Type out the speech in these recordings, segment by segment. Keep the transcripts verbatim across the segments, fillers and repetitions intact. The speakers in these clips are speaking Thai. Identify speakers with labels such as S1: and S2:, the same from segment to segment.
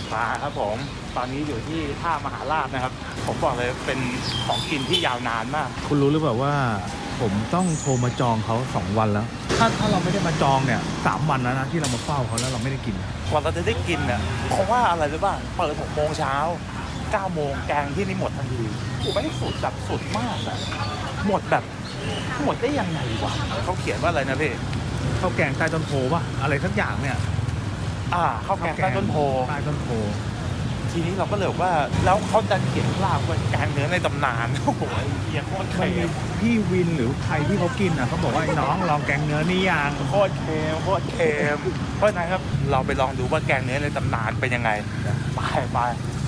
S1: มาครับผมตอนนี้อยู่ที่ท่ามหาราชนะครับผมบอกเลยเป็นของกินที่ยาวนานมาก
S2: คุณรู้หรือเปล่าว่าผมต้องโทรมาจองเขาสองวันแล้วถ้าถ้าเราไม่ได้มาจองเนี่ยสามวันแล้วนะที่เรามาเฝ้าเขาแล้วเราไม่ได้กิน
S1: กว่าเราจะได้กินเนี่ยเพราะว่าอะไรรู้ป่ะเปิดหกโมงเช้าเก้าโมงแกงที่นี่หมดทันทีกูไม่ได้สุดแบบสุดมากอะหมดแบบหมดได้ยังไงวะเขาเขียนว่าอะไรนะพี่
S2: ข้าวแกงใต้ต้นโพป่ะอะไรสักอย่างเนี่ย
S1: อ่าข้าวแกงใต้ต้นโพ
S2: ใต้ต้นโพ
S1: ทีนี้เราก็เลยว่าแล้วเขาจะเขียนลาบว่าแกงเนื้อในตำนานโอ้โหเฮียโคตรเค็ม
S2: พี่วินหรือใครที่เขากินอ่ะเขาบอกว่าไอ้น้องลองแกงเนื้อนี่ยัง
S1: โคตรเค็มโคตรเค็มเพราะนั้นครับเราไปลองดูว่าแกงเนื้อในตำนานเป็นยังไงไปไป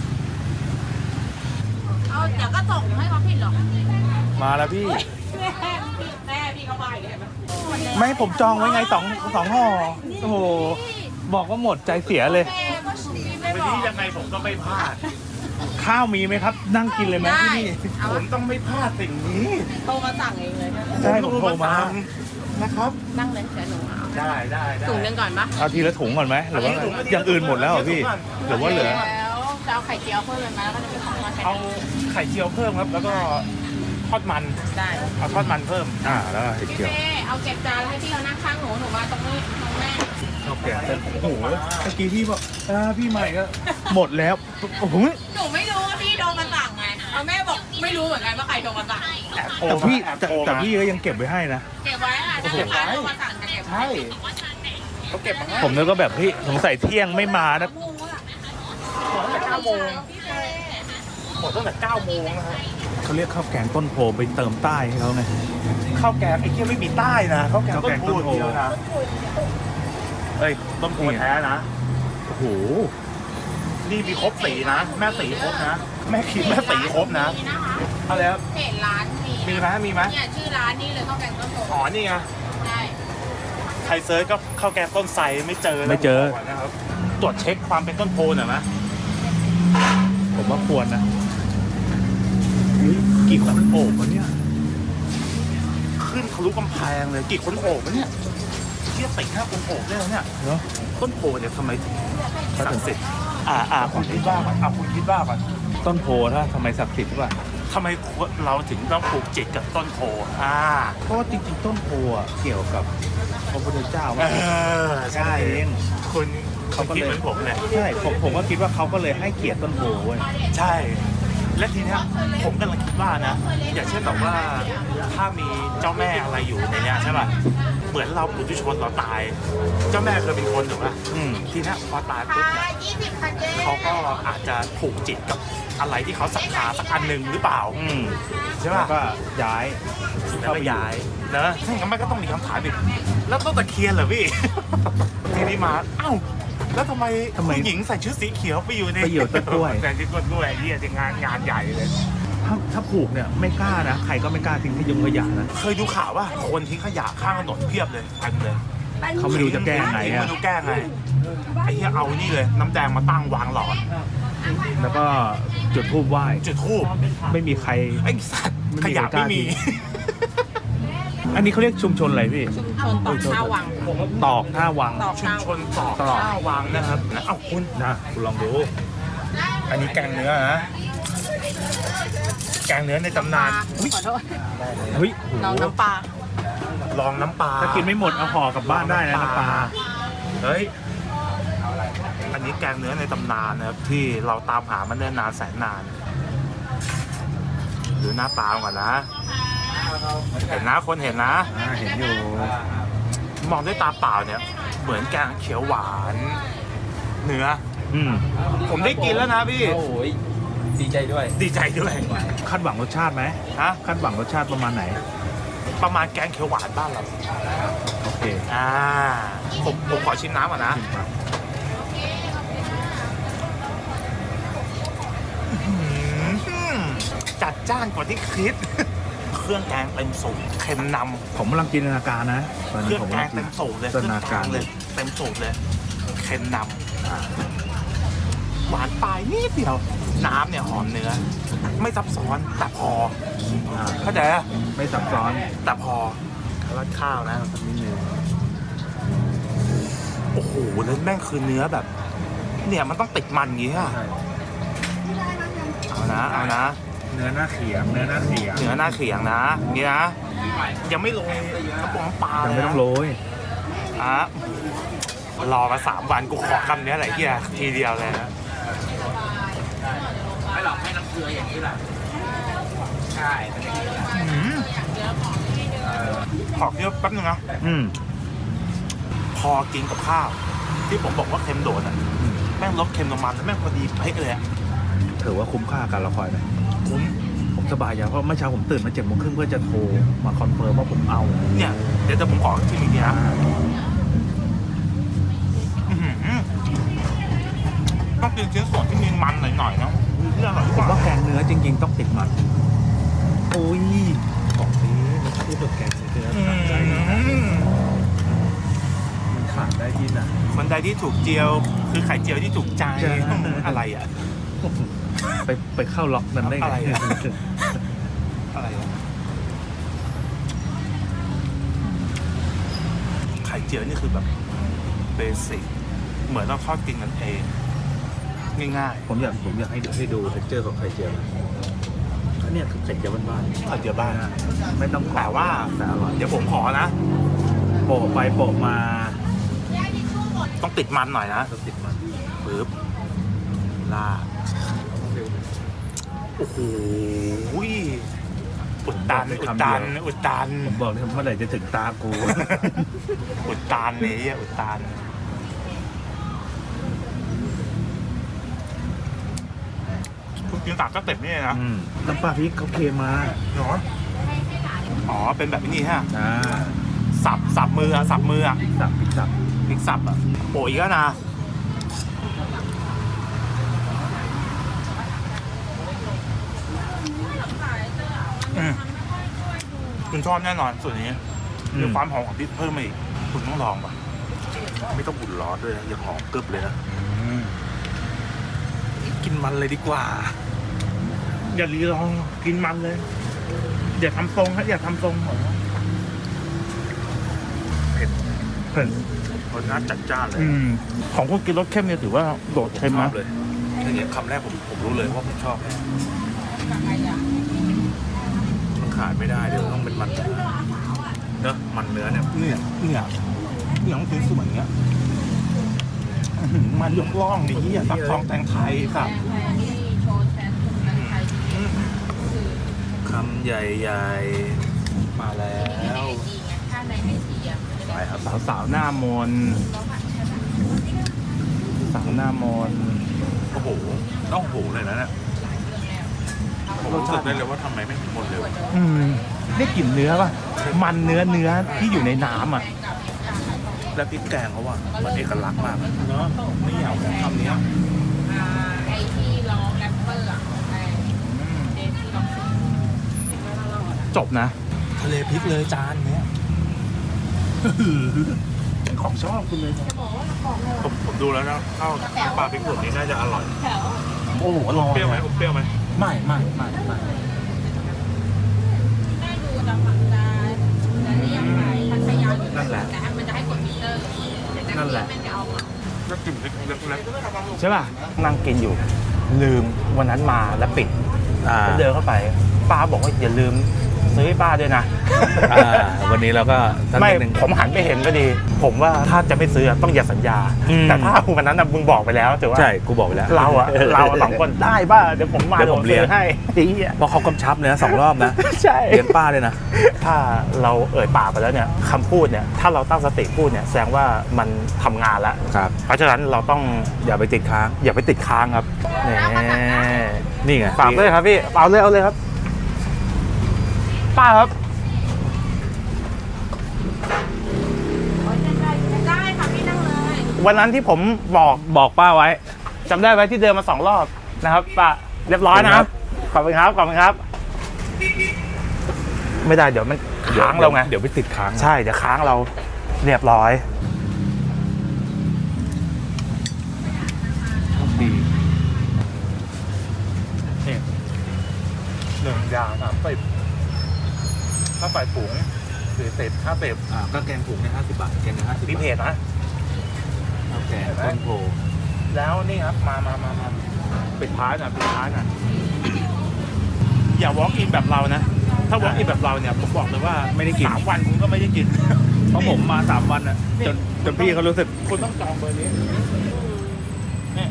S3: เอาเดี๋ยวก็ส่งให้เขาผิดหรอก
S2: มาแล้วพี่
S3: แม่พี่เขาไปเลยไหม
S2: ไม่ผมจองไว้ไงสองสองห่อโอ้โหบอกว่าหมดใจเสียเลย
S1: วันนี้ยังไงผมก็ไม่พลาด
S2: ข้าวมีไหมครับนั่งกินเลยไหมที่นี่
S1: ผมต้องไม่พลาดสิ่งนี้
S3: โทรมาสั่งเองเลย
S2: ใช่ผมโทรมา
S1: นะครับ
S3: นั่งเลยเดี๋ยวหนูเอา
S1: ได้ได้
S3: ถุงนึงก่อนปะ
S2: เอาทีละถุงก่อนไหมหรือว่าอย่างอื่นหมดแล้วเหรอพี่หรือว่าเหลือ
S3: แล้วจะเอาไข่เจียวเพิ่มเลยไหมแล้วก็จะเป็นของทอด
S1: เอาไข่เจียวเพิ่มครับแล้วก็ทอดมัน
S3: ได้
S1: เอาทอดมันเพิ่ม
S2: อ่าแล้วไข่เจียว
S3: เอาเก็บจานให้พี่เขานั่งข้างหนูหนูมาตรงนี้ตรงแม่
S2: ข้าวแกงโอ้โหเมื่อกี้พี่บอกอ่าพี่ใหม่ก็หมดแล้วโอ้โห
S3: หนูไม่รู้ว่าพี่โทรมาสั่งไงเอาแม่บอกไม่รู้เหมือนกันว่าใครโทรมาสั่ง
S2: แต่พี่แต่พี่ก็ยังเก็บไว้ให้นะ
S3: เก็บไว้ค่ะถ้าลูกค้าโทรมาสั่งจะเก็บไว้
S1: เขาเก็บมาให้
S2: ผมนึกว่าแบบพี่สงสัยเที่ยงไม่มานะ
S1: หมดตั้งแต่เก้าโมงหมดตั้งแต่เก้าโมงนะฮะ
S2: เขาเรียกข้าวแกงต้นโพไปเติมใต้ให้เขาไง
S1: ข้าวแกงไอ้เที่ยไม่มีใต้นะข้าวแกงต้นโพเดียวนะเอ้ยต้นโพแท้นะ
S2: โอ้โห
S1: นี่มีครบสีนะแม่สีครบนะแม่คิดแม่สีครบนะเอาแล้ว
S3: เพจร้านมี
S1: มีไหมมีไหม
S3: เนี่ยชื่อร้านนี่เลยข้าวแกงต้นโพ
S1: อ๋อนี่ไง
S3: ใช่
S1: ใครเซิร์ชก็ข้าวแกงต้นไทรไม่เจอ
S2: ไม่เจอ
S1: นะครับตรวจเช็คความเป็นต้นโพหน่อยไหม
S2: ผมว่าควรนะกี่คนโอบวะเนี่ย
S1: ขึ้นทะลุกำแพงเลยกี่คนโอบวะเนี่ยเทียบติดห้าคนโอบได้แล้วเนี่ย
S2: เนาะ
S1: ต้นโพเนี่ยทำไมศักดิ์สิทธิ์อ่าอ่าคุณคิดว่าก่อนอ่าคุณคิดว่าก่อน
S2: ต้นโพถ้าทำไมศักดิ์สิทธิ์ใช่ป่ะ
S1: ทำไมเราถึงต้องผูกจิตกับต้นโพอ่า
S2: เพราะจริงๆต้นโพอ่ะเกี่ยวกับพระพุทธเจ้า
S1: เออใช่คุณเขาคิดเหมือนผมเลย
S2: ใช่ผมผมก็คิดว่าเขาก็เลยให้เกียรติต้นโพเว้ย
S1: ใช่และทีเนี้ยผมกำลังคิดว่านะอย่างเช่นแบบว่าถ้ามีเจ้าแม่อะไรอยู่ในเนี้ยใช่ป่ะเหมือนเราปุถุชนเราตายเจ้าแม่เคยเป็นคนถูกป่ะทีเนี้ยพอตายปุ๊บเนี่ยเขาก็อาจจะผูกจิตกับอะไรที่เขาศรัทธาสักอันหนึ่งหรือเปล่าใช่ป่ะ
S2: ก็ย้าย
S1: เข้าไปย้ายนะถ้าอย่างนั้นมันก็ต้องมีคำถามอีกแล้วต้นตะเคียนเหรอพี่ทีนี้มาเอ้าแล้วทำไมผู้หญิงใส่ชุดสีเขียวไปอยู่ใน
S2: ไปอยู่ต้นกล้วย
S1: แต่ที่ต้นกล้วยนี่จะงานงานใหญ่เลย
S2: ถ้าถ้าผูกเนี่ยไม่กล้านะใครก็ไม่กล้าทิ้งที่ยงขยะนะ
S1: เคยดูข่าวว่าคนทิ้งขยะข้างถนนเพียบเลยเต็มเลย
S2: เขาไม่รู้จะแก้ไงอ่ะ
S1: ไม่รู้แก้ไงไอ้เหี้ยเอานี่เลยน้ำแดงมาตั้งวางหลอด
S2: แล้วก็จุดธูปไหว้
S1: จุดธูป
S2: ไม่มีใคร
S1: ไอ้สัตว์ขยะไม่มี
S2: อันนี้เขาเรียกชุมชนอะไรพี่
S3: ชุมชนตอกท่าวัง
S2: ตอกท่าวัง
S1: ชุมชนตอกท่าวังนะครับนะเอ้าคุณ
S2: นะคุณลองดู
S1: อันนี้แกงเนื้อนะแกงเนื้อในตำนาน
S3: ขอโทษ
S2: เฮ้ย
S3: ลองน้ำปลา
S1: ลองน้ำปลา
S2: ถ้ากินไม่หมดเอาห่อกลับบ้านได้นะน้ำปลา
S1: เฮ้ยอันนี้แกงเนื้อในตำนานนะครับที่เราตามหามันเนิ่นนานแสนนานดูหน้าตาก่อนนะเห็นนะคนเห็นนะ
S2: เห็นอยู่
S1: มองด้วยตาเปล่าเนี่ยเหมือนแกงเขียวหวานเนื้อ
S2: อืม
S1: ผมได้กินแล้วนะพี่
S4: โอ้ยดีใจด้วย
S1: ดีใจด้วย
S2: คาดหวังรสชาติไหม
S1: ฮะ
S2: คาดหวังรสชาติประมาณไหน
S1: ประมาณแกงเขียวหวานบ้านเรา
S2: โอเค
S1: อ่าผมผมขอชิมน้ำก่อนนะจัดจ้านกว่าที่คิดเครื่องแกงเต็มสูตรเค็มนำ
S2: ผมกำลังจินตนาการนะ
S1: เครื่องแกงเต็มสูตรเลยเครื่องแกงเลยเต็มสูตรเลยเค็มนำหวานปลายนิดเดียวน้ำเนี่ยหอมเนื้อไม่ซับซ้อนแต่พอเข้าใจอ่ะ
S2: ไม่ซับซ้อน
S1: แต่พอราดข้าวนะสักนิดนึงโอ้โหแล้วแม่งคือเนื้อแบบเนี่ยมันต้องติดมันอย่างงี้อะ
S2: ใช่
S1: เอานะเอานะ
S2: เนื้อหน้าเขียงเนื้อหน้าเขียง
S1: เนื้อหน้าเขียงนะนี่นะยังไม่ลงน้ำปลาน้ำปลา
S2: ยัง
S1: เลย
S2: ไม่ต้อง
S1: นะ
S2: โรย
S1: อ่ะรอมาสามวันกูขอคำนี้แหละเฮียทีเดียวเลยนะ
S4: ไม่หรอกให้น้ำเกลืออย่างนี้แหละใช่
S1: อืมขอเคี้ยวแป๊บนึงนะ
S2: อืม
S1: พอกินกับข้าว ที่ผมบอกว่าเค็มโดดอ่ะแม่งลดเค็มลงมาแล้วแม่งพอดีเป๊ะเลยอ่ะ
S2: ถือว่าคุ้มค่าการรอคอยไหม
S1: คุ้ม
S2: ผมสบายใจเพราะเมื่อเช้าผมตื่นมาเจ็ดโมงครึ่งเพื่อจะโทรมาคอนเฟิร์มว่าผมเอา
S1: เนี่ยเดี๋ยวจะผมขอที่มีนี่นะอื้อหือต้องกินชิ้นส่วนที่มีมันหน่อยๆนะเรื่องอร่อย
S2: ผ
S1: ก
S2: ม
S1: ว่า
S2: ว่าแกงเนื้อจริงๆต้องติดมันโอ้ยของนี้มันคู่กับแกงเนื้อ
S1: อื
S2: ตัดใจ
S1: ม
S2: มันขาดได้ที่ไหน
S1: คนใดที่ถูกเจียว คือไข่เจียวที่ถูกใจ
S2: ใช่
S1: อะไรอ่ะ
S2: ไปไปเข้าล็อกนั้นได้ไง
S1: อะไรอะ อะไรอ่ะไข่เจียวนี่คือแบบเบสิกเหมือนเราทอดกินกันเองง่าย
S2: ผมอยากผมอยากให้ดูให้ดูเท็กเจอร์ของไข่เจียวอันเนี้ยคือไข่เจียวบ้าน
S1: ๆไข่เจียวบ้าน
S2: ๆไม่ต้อง
S1: แต่ว่า
S2: แต่อร่อย
S1: เดี๋ยวผมขอนะ
S2: โปะไปโปะมา
S1: ต้องติดมันหน่อยนะ
S2: ต้องติดมัน
S1: ปึ๊บลาดโอ้โหอุดตันอุดตันอุดตัน
S2: ผมบอกเลยเมื่อไหร่จะถึงตากู
S1: อุดตันนี้อุดตันคุณกินสามสเต็ปนี่นะ
S2: อืมน้ำปลาพริกเขาเคมา
S1: เนาะอ๋อเป็นแบบนี้ฮะ
S2: อ่า
S1: สับสับมืออะสับมืออะ
S2: สับพริกสับ
S1: พลิกสับอะโอ้ยก็นะอืมคุณชอบแน่นอนส่วนนี้มีความหอมของพริกเพิ่มมาอีกคุณต้องลองป่ะไม่ต้องอุ่นร้อนด้วยนะยังหอมกรึบเลยนะกินมันเลยดีกว่า อย่ารีรองกินมันเลยอย่าทำทรงฮะอย่าทำทรงเหรอเผ็ดเผ็ดรสชาติจัดจ้านเลยของคุณกินรสเข้มเนี่ยถือว่าโดดเค็ม
S2: ช
S1: นะ
S2: อบเลยทีนี้คำแรกผมผมรู้เลยว่าผมชอบแน่มันขาดไม่ได้เดี๋ยวต้องเป็นมันเนอะมันเนื้อเนี่ย
S1: เนี่ยเนี่ยเนี่ยต้องกินส่วนเนี้ยอื้อหือมันยกล่องดีอ่ะตับทองแตงไทยสับ
S2: คำใหญ่ๆ มาแล้ว
S1: ไปครับสาวสาวหน้ามนสาวหน้ามน
S2: โอ้โหต้องโอ้โหเลยนะเนี่ยผมรู้สึกได้เลยว่าทำไมไม่หมดเร็ว
S1: อืมได้กลิ่นเนื้อป่ะ มันเนื้อเนื้อที่อยู่ในน้ำอ่ะ
S2: แล้วพริกแกงเขาว่ามันเอกลักษณ์มาก
S1: เนาะไม่อยากของคำนี้
S3: ไอ้ที่รอแรปเปอร์อะไอ้เดซี่ล็อกซี่
S1: จบนะ ทะเลพริกเลยจานเนี้ย ของชอบคุณเลย
S2: ผมผมดูแล้วนะข้าวปลาพริกผงนี่น่าจะอร่อย
S3: แถว
S1: โอ้โหอร่อย
S2: เปรี้ยวไหมผมเปรี้ยวไหม
S1: ไม่ไม่ไม่ไม่
S3: แม่ดูจะฝังจะจะเรียกไปพัทยาอยู่แต่มันจะให้กดมิเตอร์แต่นักเรียนแม่งจะเอาเหมา
S2: ก็กลิ่นเล็กๆเล็ก
S1: ใช่ป่ะ นั่งกินอยู่ ลืมวันนั้นมาแล้วปิด
S2: อ่า
S1: ก็เดินเข้าไป ป้าบอกว่าอย่าลืมซื้อให้ป้าด้วยนะ
S2: อ่าวันนี้เราก็สัก
S1: ไม่
S2: นิดนึง
S1: ผมหันไปเห็นก็ดี ผมว่าถ้าจะไม่ซื้อต้องอย่าสัญญา
S2: อืม
S1: แต่ถ้าวันนั้นน่ะมึงบอกไปแล้วถือว่า
S2: ใช่กูบอกไปแล้ว
S1: เราอะเราสองคนได้ป่ะเดี๋ยวผมมา
S2: เดี๋ยวผมเลี้ยง
S1: ซื้อให้ไอ้เหี้ย
S2: เพราะเขากำชับเลยนะสองรอบนะ
S1: ใช่
S2: เลี้ยงป้าเลยนะ
S1: ถ้าเราเอ่ยปากไปแล้วเนี่ยคำพูดเนี่ยถ้าเราตั้งสติพูดเนี่ยแสดงว่ามันทำงานแล้ว
S2: ครับ
S1: เพราะฉะนั้นเราต้อง
S2: อย่าไปติดค้าง
S1: อย่าไปติดค้างครับนี่
S2: นี่ไง
S1: ฝากเลยครับพี่เอาเลยเอาเลยครับ ป้าครับ
S3: ได้ค่ะพี่นั่งเลย
S1: วันนั้นที่ผมบอกบอกป้าไว้จำได้ไหมที่เดินมาสองรอบนะครับป้าเรียบร้อยนะครับขอบคุณครับขอบคุณครับ ไม่ได้เดี๋ยวมันค้างเราไง
S2: เดี๋ยวไปติดค้าง
S1: ใช่เดี๋ยวค้างเราเรียบร้อย
S2: ดี
S1: นี่หนึ่งอย่างสามสิบถ้าใส่ปุ๋งสี่สิบห้าสิบ
S2: อ่าก็แกงผงเนี่ยห้าสิบบาทแกงเนี่ยห้าสิบ
S1: มีเพจนะ
S2: ข้าวแกงต้นโพ
S1: แล้วนี่ครับมามามามาปิดท้ายหน่อยปิดท้ายหน่อยอย่า walk in แบบเรานะ ถ้า walk in แบบเราเนี่ยผมบอกเลยว่า
S2: ไม่ได้กิน
S1: สามวันคุณก็ไม่ได้กิน
S2: เพราะผมมาสามวันอ่ะ
S1: นี่
S2: จนจนพี่เขารู้สึก
S1: คุณต้องจองเบอร์นี้นี่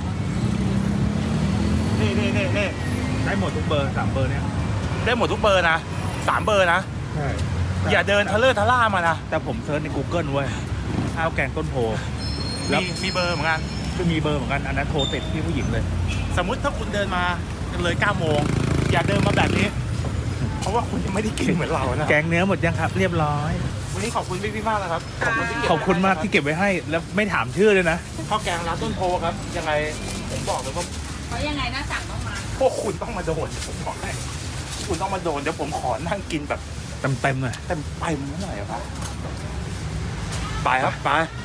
S1: นี่นี่นี่นี่
S2: ได้หมดทุกเบอร์สามเบอร์เนี่ย
S1: ได้หมดทุกเบอร์นะสามเบอร์นะ
S2: ใช่
S1: อย่าเดินทะเลอร์ทะล่ามานะ
S2: แต่ผมเซิร์ชใน Google เว้ยข้าวแกงต้นโพแล้ว
S1: มีมีเบอร์เหมือนกัน
S2: ก็มีเบอร์เหมือนกันอันนั้นโทรติดพี่ผู้หญิงเลย
S1: สมมุติถ้าคุณเดินมาเลยเก้าโมงอย่าเดินมาแบบนี้ เพราะว่าคุณยังไม่ได้กินเหมือนเรานะ
S2: แกงเนื้อหมดยังครับ เรียบร้อย
S1: วันนี้ขอบคุณพี่พี่ๆมากนะครับขอบคุณที่เก็บ
S2: ขอบคุณมากที่เก็บไว้ให้ แล้วไม่ถามชื่อเลยนะ
S1: ข้าวแกงร้านต้นโพครับ ยังไงผมบอกเลยว่า
S3: เพราะยังไงหน้าสั่งต้องมา
S1: พวกคุณต้องมาโดนผมบอกให้คุณต้องมาโดนเดี๋ยวผมขอนั่งกินแบบ
S2: เต็มเต็มๆเลย
S1: เต็มไปหน่อยอะครับไปครับไป